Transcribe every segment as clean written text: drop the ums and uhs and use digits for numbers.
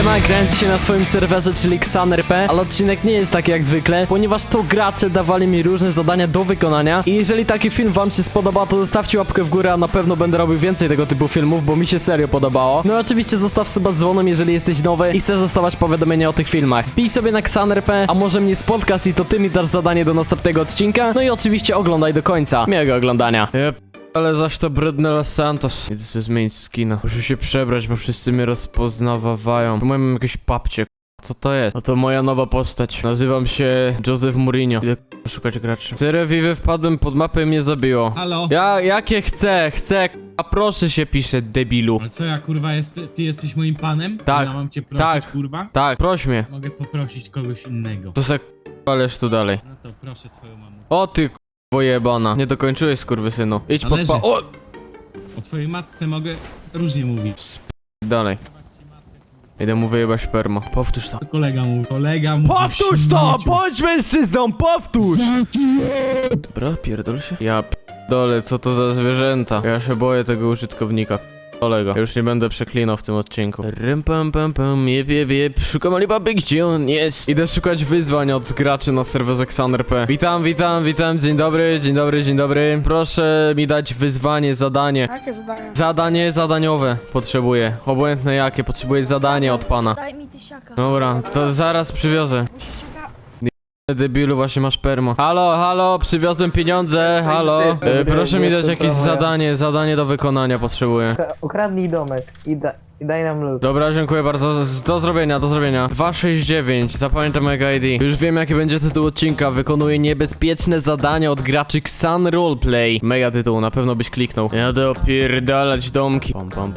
Siema, grałem dzisiaj na swoim serwerze, czyli Xan.RP, ale odcinek nie jest taki jak zwykle, ponieważ to gracze dawali mi różne zadania do wykonania i jeżeli taki film wam się spodoba, to zostawcie łapkę w górę, a na pewno będę robił więcej tego typu filmów, bo mi się serio podobało. No i oczywiście zostaw suba z dzwonem, jeżeli jesteś nowy i chcesz dostawać powiadomienia o tych filmach. Wbij sobie na Xan.RP, a może mnie spotkasz i to ty mi dasz zadanie do następnego odcinka, no i oczywiście oglądaj do końca. Miłego oglądania. Ale zaś to brudny Los Santos. Idę sobie zmienić skina. Muszę się przebrać, bo wszyscy mnie rozpoznawają. Tu mam jakieś papcie. Co to jest? No to moja nowa postać. Nazywam się Joseph Mourinho. Idę szukać graczy. Serio, Vive, wpadłem pod mapę i mnie zabiło. Halo? Jakie chcę, a proszę się pisze, debilu. Ale co ja kurwa, ty jesteś moim panem? Tak. Czy ja mam cię prosić, Tak. kurwa? Tak, proś mnie. Mogę poprosić kogoś innego. To se ależ tu dalej. No to proszę twoją mamę. O ty k***wo jebana. Nie dokończyłeś, skurwysynu. Idź pod Zależy. O! O twojej matce mogę różnie mówić. Dalej. Idę mu wyjebać sperma. Powtórz to. To kolega mówi. Powtórz to! Bądź mężczyzną, powtórz! Dobra, pierdol się. Ja p***dolę, co to za zwierzęta? Ja się boję tego użytkownika. Kolego, już nie będę przeklinał w tym odcinku. Rym pam pam pam, jeb. Szukam Alibaby, gdzie on jest? Idę szukać wyzwań od graczy na serwerze Xan.RP. Witam. Dzień dobry. Proszę mi dać wyzwanie, zadanie. Jakie zadania? Zadanie zadaniowe potrzebuję. Obojętne jakie, potrzebuję zadanie od pana. Daj mi tysiaka. Dobra, to zaraz przywiozę. Musisz siaka... Debilu, właśnie masz permo. Halo, przywiozłem pieniądze, halo. Proszę mi dać jakieś zadanie do wykonania potrzebuję. Ukradnij domek i daj nam lód. Dobra, dziękuję bardzo, do zrobienia. 269, zapamiętam mojego ID. Już wiem jaki będzie tytuł odcinka, wykonuję niebezpieczne zadania od graczy Xan Roleplay. Mega tytuł, na pewno byś kliknął. Jadę opierdalać domki.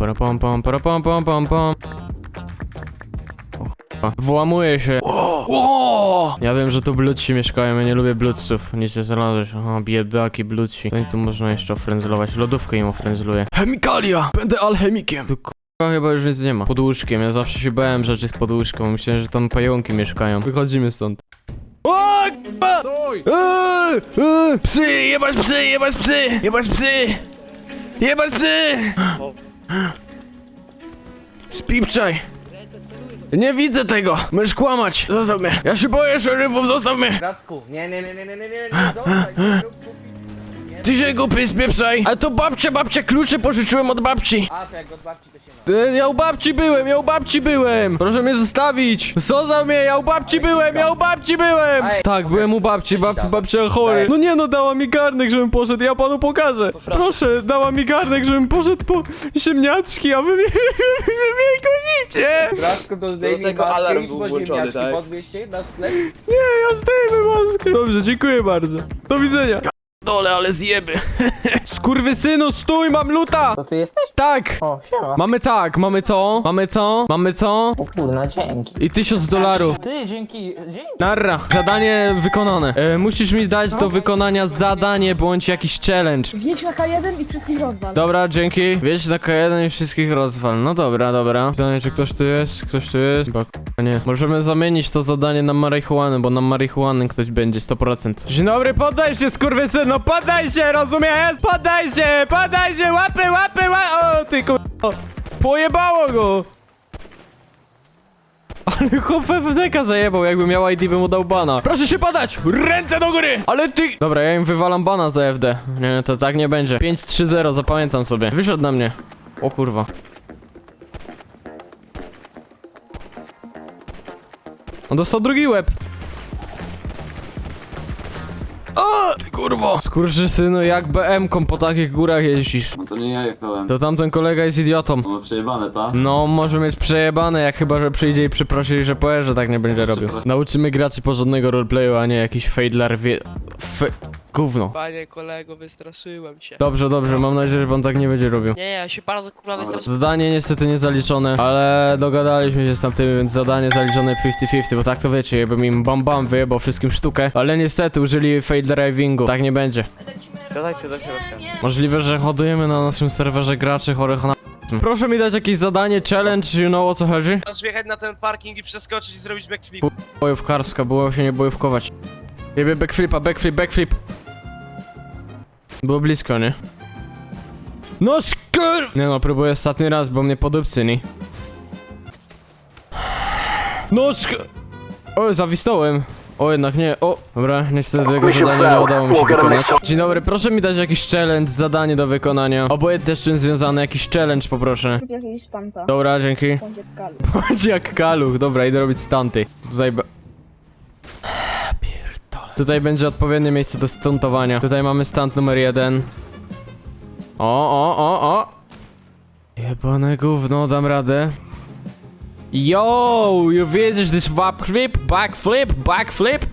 Pom. Włamuję się. Ja wiem, że tu bludci mieszkają, ja nie lubię bludców. Nic nie znalazłeś. Aha, biedaki, bludci. To i tu można jeszcze ofrędzlować. Lodówkę im ofrędzluję. Chemikalia! Będę alchemikiem! Tu k***a chyba już nic nie ma. Pod łóżkiem, ja zawsze się bałem rzeczy z pod łóżką. Myślałem, że tam pająki mieszkają. Wychodzimy stąd. O, k***a! Psy! Jebać psy! Spipczaj! Nie widzę tego! Możesz kłamać! Zostaw mnie! Ja się boję szeryfów, zostaw mnie! Bratku, nie, zostań, nie rób głupi. Ty się głupi, spieprzaj! Ale to babcia, klucze pożyczyłem od babci! A, to jak od babci to się ma. Ja u babci byłem! Proszę mnie zostawić! Zostaw mnie, ja u babci byłem! Ej, Tak, byłem u babci, babcia chory. No nie no, dała mi garnek, żebym poszedł, ja panu pokażę. Proszę, dała mi garnek, żebym poszedł po ziemniaczki, a wy mnie gonicie! Bratku, to zdejmij tego maskę, alarm idź był po włączony, ziemniaczki, tak? podwieź się na sklep. Nie, ja zdejmę maskę. Dobrze, dziękuję bardzo. Do widzenia. Dole, ale zjeby. Skurwysynu, stój, mam luta! To ty jesteś? Tak! O, siema. Mamy to. O kurna, dzięki. I $1000. Ty, dzięki. Narra. Zadanie wykonane. Musisz mi dać do wykonania zadanie bądź jakiś challenge. Wjedź na K1 i wszystkich rozwal. Dobra, dzięki. Wjedź na K1 i wszystkich rozwal. No dobra. Pytanie, czy ktoś tu jest? Chyba nie. Możemy zamienić to zadanie na marihuanę, bo na marihuanę ktoś będzie 100%. Dzień dobry, poddaj się, skurwysynu, poddaj się, rozumiesz? Poddaj się, łapy, o ty kurwa. Pojebało go. Ale chłop FFZ-ka zajebał, jakby miał ID, by mu dał bana. Proszę się padać! Ręce do góry! Ale ty... Dobra, ja im wywalam bana za FD. Nie, to tak nie będzie. 5-3-0, zapamiętam sobie. Wyszedł na mnie. O kurwa. On dostał drugi łeb. O! Ty kurwo! Skurczysynu, jak BM-ką po takich górach jeździsz? No to nie ja jechałem. To tamten kolega jest idiotą. No przejebane, ta? No, może mieć przejebane, jak chyba, że przyjdzie i przeprosi, że powie, że tak nie będzie robił. Nauczymy graczy porządnego roleplayu, a nie jakiś fejdlar gówno. Panie kolego, wystraszyłem się. Dobrze, mam nadzieję, że pan tak nie będzie robił. Nie, ja się bardzo kurwa wystraszyłem. Zadanie niestety nie zaliczone, ale dogadaliśmy się z tamtymi, więc zadanie zaliczone 50-50, bo tak to wiecie, jakbym im bam wyjebał wszystkim sztukę, ale niestety użyli fail drivingu, tak nie będzie. Dodajcie do środka. Możliwe, że hodujemy na naszym serwerze graczy chorych na... Proszę mi dać jakieś zadanie, challenge, you know o co chodzi? Masz wjechać na ten parking i przeskoczyć i zrobić backflip. Bojówkarska, było się nie bojówkować. Jebie backflip. Było blisko, nie? No skur... Nie no, próbuję ostatni raz, bo mnie podupcyni. No O, zawisnąłem. O, jednak nie. O, dobra, niestety tego zadania nie udało mi się wykonać. Dzień dobry, proszę mi dać jakiś challenge, zadanie do wykonania. Obojętnie z czym związane, jakiś challenge poproszę. Rób jakiś stanta. Dobra, dzięki. Bądź jak kalu. Chodź jak kaluch, dobra, idę robić stunty. Tutaj pierdolę. Tutaj będzie odpowiednie miejsce do stuntowania. Tutaj mamy stunt numer 1. O. Jebane gówno, dam radę. Yo, you widzisz this backflip?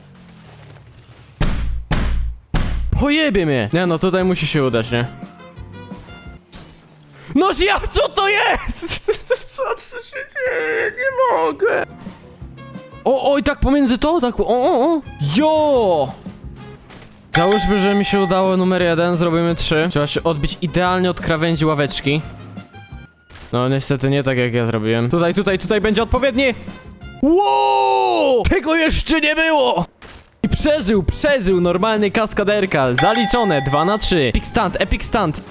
Pojebie mnie. Nie no, tutaj musi się udać, nie? No ja, co to jest? Co się dzieje? Nie mogę. O, i tak pomiędzy to, tak, o. Jo! Załóżmy, że mi się udało numer 1, zrobimy 3. Trzeba się odbić idealnie od krawędzi ławeczki. No niestety nie tak jak ja zrobiłem. Tutaj będzie odpowiedni. Wow! Tego jeszcze nie było! I przeżył, normalny kaskaderka. Zaliczone, 2 na 3. Epic stunt.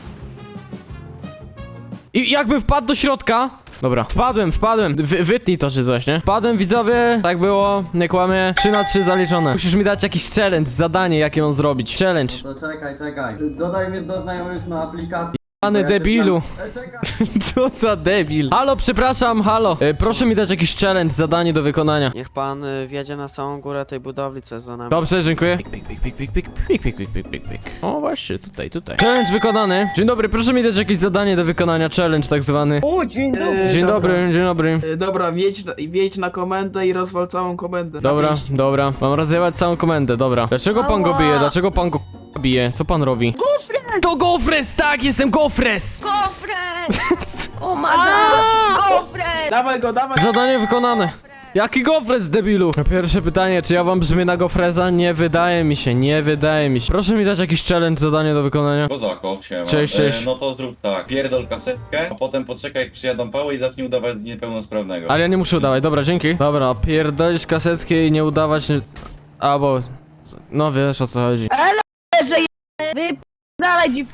I jakby wpadł do środka. Dobra, wpadłem. Wytnij to czy coś, nie? Wpadłem, widzowie, tak było, nie kłamie. 3 na 3 zaliczone. Musisz mi dać jakiś challenge, zadanie, jakie mam zrobić. Challenge. To czekaj. Dodaj mnie do znajomych na aplikacji. Pany debilu. Co za debil. Halo, przepraszam, halo. Proszę mi dać jakiś challenge, zadanie do wykonania. Niech pan wjedzie na samą górę tej budowli, co jest za nami. Dobrze, dziękuję. O, właśnie, tutaj. Challenge wykonany. Dzień dobry, proszę mi dać jakieś zadanie do wykonania, challenge tak zwany. O, dzień dobry. Dzień dobry. Dobra, wjedź na komendę i rozwal całą komendę. Dobra. Mam rozjechać całą komendę, dobra. Dlaczego pan go bije? Dlaczego pan go bije? Co pan robi? Gofres! To Gofres, tak, jestem Gofres! Gofres! O my god! Gofres! Dawaj go. Zadanie wykonane. Jaki Gofres, debilu? Pierwsze pytanie, czy ja wam brzmię na Gofreza? Nie wydaje mi się. Proszę mi dać jakiś challenge, zadanie do wykonania. Kozako, siema. Cześć. No to zrób tak, pierdol kasetkę, a potem poczekaj jak przyjadą pały i zacznij udawać niepełnosprawnego. Ale ja nie muszę udawać, dobra, dzięki. Dobra, pierdolić kasetkę i nie udawać... Albo... No wiesz o co chodzi. Dalej dziwko.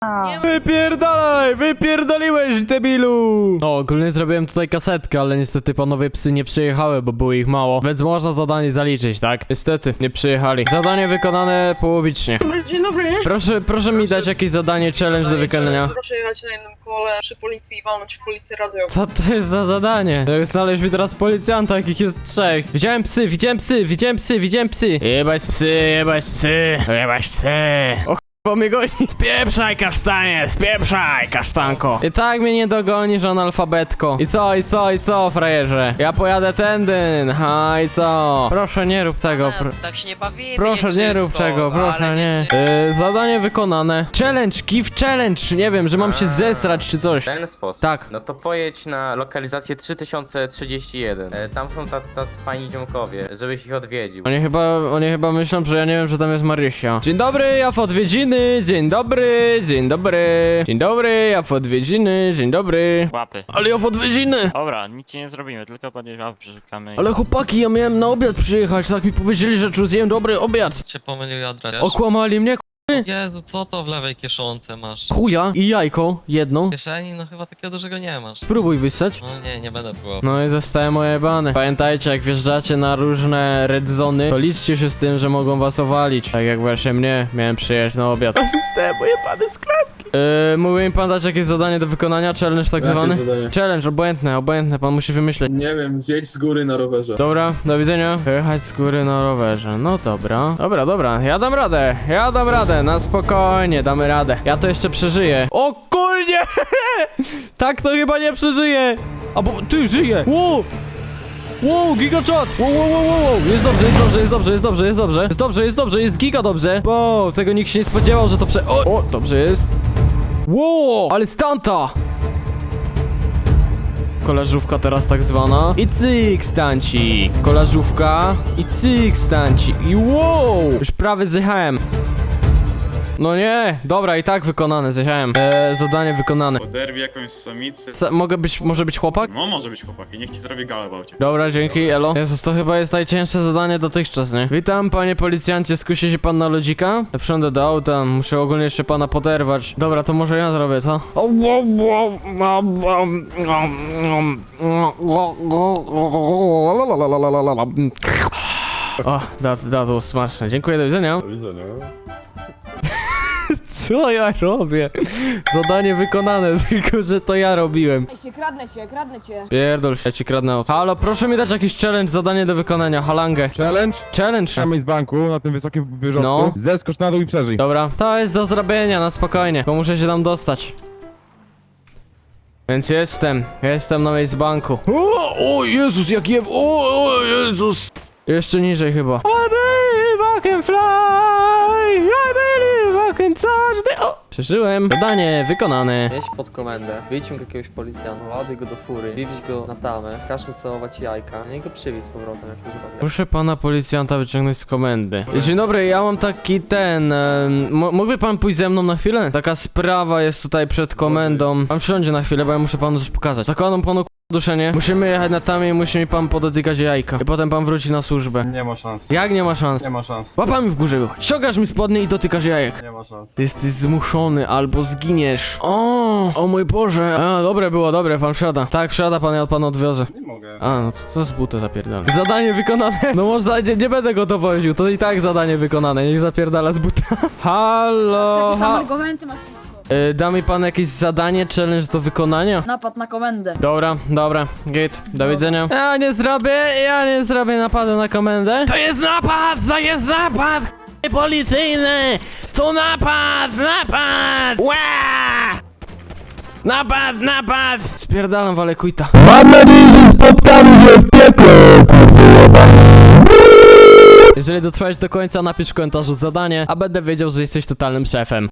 Wypierdoliłeś, debilu! No, ogólnie zrobiłem tutaj kasetkę, ale niestety panowie psy nie przyjechały, bo było ich mało. Więc można zadanie zaliczyć, tak? Niestety, nie przyjechali. Zadanie wykonane połowicznie. Dzień dobry. Proszę mi dać jakieś zadanie, challenge do wykonania. Proszę jechać na jednym kole przy policji i walnąć w policję radiową. Co to jest za zadanie? Znaleźć mi teraz policjanta, jakich jest 3. Widziałem psy. Jebać psy. Bo mnie goni. Spieprzaj, kasztanie, spieprzaj, kasztanko. I tak mnie nie dogonisz, analfabetko. I co, frajerze? Ja pojadę tędy, i co? Proszę nie rób tego, Tak się nie bawimy. proszę nie rób tego, proszę nie. Zadanie wykonane. Challenge, give challenge, nie wiem, że mam się zesrać czy coś. W ten sposób. Tak. No to pojedź na lokalizację 3031. Tam są tacy fajni ziomkowie, żebyś ich odwiedził. Oni chyba myślą, że ja nie wiem, że tam jest Marysia. Dzień dobry, ja w odwiedziny. Dzień dobry, ja w odwiedziny, dzień dobry. Łapy. Ale ja w odwiedziny. Dobra, nic ci nie zrobimy, tylko podnieś łapy, przeszukamy. Ale chłopaki, ja miałem na obiad przyjechać, tak mi powiedzieli, że tu zjem dobry obiad. Cię pomylili adres. Okłamali mnie, Jezu, co to w lewej kieszonce masz? chuja i jajko, jedną. W kieszeni? No chyba takiego dużego nie masz. Spróbuj wyssać. No nie będę próbował. No i zostałem ojebany. Pamiętajcie, jak wjeżdżacie na różne red zony, to liczcie się z tym, że mogą was owalić. Tak jak właśnie mnie, miałem przyjechać na obiad. Zostałem ojebany z klatki. Mógłby mi pan dać jakieś zadanie do wykonania? Challenge tak zwany? Challenge, obojętne, pan musi wymyśleć. Nie wiem, zjedź z góry na rowerze. Dobra, do widzenia. Jechać z góry na rowerze. No dobra. Dobra, ja dam radę. Na spokojnie, damy radę. Ja to jeszcze przeżyję. O kurnie! Tak to chyba nie przeżyję. A bo ty żyje. Wow, gigachot! Wow. Jest dobrze, jest giga dobrze. Wow, tego nikt się nie spodziewał, że to O, dobrze jest. Wow, ale stanta! Kolażówka teraz tak zwana. I cyk stancik. Kolażówka. I cyk stancik. I wow! Już prawie zjechałem. No nie, dobra, i tak wykonane, zjechałem. Zadanie wykonane. Poderwij jakąś samicę. Może być chłopak? No może być chłopak i niech ci zrobi galę w aucie. Dobra, dzięki, elo. Jezus, to chyba jest najcięższe zadanie dotychczas, nie? Witam, panie policjancie, skusi się pan na lodzika? Wsiądę do auta, muszę ogólnie jeszcze pana poderwać. Dobra, to może ja zrobię, co? O, that was smaczne. Dziękuję, do widzenia. Do widzenia. Co ja robię? Zadanie wykonane, tylko że to ja robiłem. Kradnę cię. Pierdol się, ja ci kradnę auto. Halo, proszę mi dać jakiś challenge, zadanie do wykonania, halangę. Challenge? Challenge. Trzymaj z banku na tym wysokim wieżowcu. No. Zeskocz na dół i przeżyj. Dobra, to jest do zrobienia, na spokojnie, bo muszę się tam dostać. Więc jestem na miejscu banku. O Jezus, jak o Jezus. Jeszcze niżej chyba. I believe I can fly, I believe I can touch the... O! Przeżyłem. Zadanie wykonane. Jedź pod komendę, wyciąg jakiegoś policjanta, ładuj go do fury, wywieź go na tamę, każ mu całować jajka, niech go przywieź z powrotem, jak już robię. Proszę pana policjanta wyciągnąć z komendy. Dzień dobry, ja mam taki mógłby pan pójść ze mną na chwilę? Taka sprawa jest tutaj przed komendą. Pan wsiądzie na chwilę, bo ja muszę panu coś pokazać. Zakładam panu duszenie. Musimy jechać na tamie i musi mi pan podotykać jajka. I potem pan wróci na służbę. Nie ma szans. Jak nie ma szans? Nie ma szans. Łapami w górze wychodź. Ściągasz mi spodnie i dotykasz jajek. Nie ma szans. Jesteś zmuszony albo zginiesz. O mój Boże. A, dobre było, dobre, pan wsiada. Tak, wsiada pan, ja pana odwiozę. Nie mogę. A, no to z buta zapierdala. Zadanie wykonane. No można, nie będę go dowoził, to i tak zadanie wykonane. Niech zapierdala z buta. Halo, argumenty masz. da mi pan jakieś zadanie, challenge do wykonania? Napad na komendę. Dobra, git, do widzenia. Ja nie zrobię napadu na komendę. To jest napad policyjny! To napad! Ła! Napad! Spierdalam, walę quita. Mam nadzieję, że spotkamy się w piekle, Jeżeli dotrwałeś do końca, napisz w komentarzu zadanie, a będę wiedział, że jesteś totalnym szefem.